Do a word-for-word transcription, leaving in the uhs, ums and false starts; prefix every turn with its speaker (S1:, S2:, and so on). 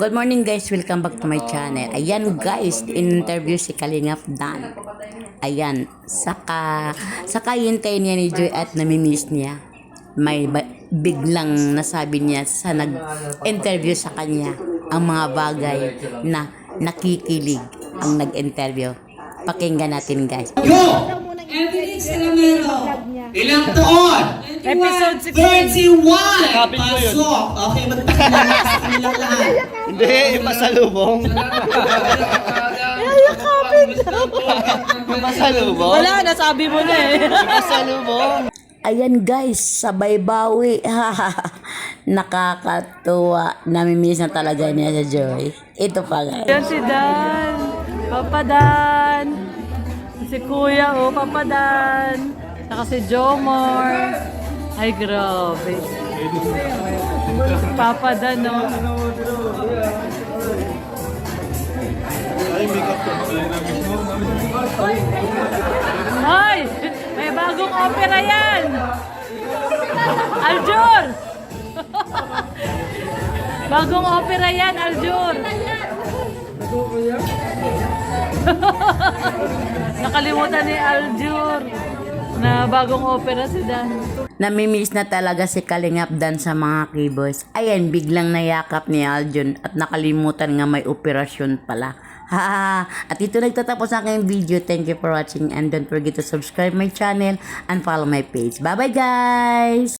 S1: Good morning guys, welcome back to my channel. Ayan guys, in-interview si Kalingap Dan. Ayan, saka saka hintay niya ni Joy at namimiss niya. May ba- biglang nasabi niya sa nag-interview sa kanya ang mga bagay na nakikilig ang nag-interview. Pakinggan natin guys.
S2: Go! Evelyn Salamero. Ilang taon?
S3: Episode
S2: thirty-one! Pasok! Okay, magpakilala sa kanilang lahat.
S4: Hindi, masalubong. Masalubong?
S3: Wala, nasabi mo na eh.
S4: Masalubong.
S1: Ayan guys, sabay bawi. Nakakatuwa. Namimiss na talaga niya sa Joy. Ito pa guys.
S3: Yan si Dan. Papa Dan. Si Kuya, oh, Papa Dan. Saka si Jomor. Ay, grabe. Papa Dan, oh. Hoy! May bagong opera yan! Aljur! Bagong opera yan, Aljur! Nakalimutan ni Aljur na bagong opera si Dan.
S1: Namimiss na talaga si Kalingap Dan sa mga keyboards. Ayan, biglang nayakap ni Aljun at nakalimutan nga may operasyon pala. Ha! At ito nagtatapos ang aking video. Thank you for watching and don't forget to subscribe my channel and follow my page. Bye bye guys!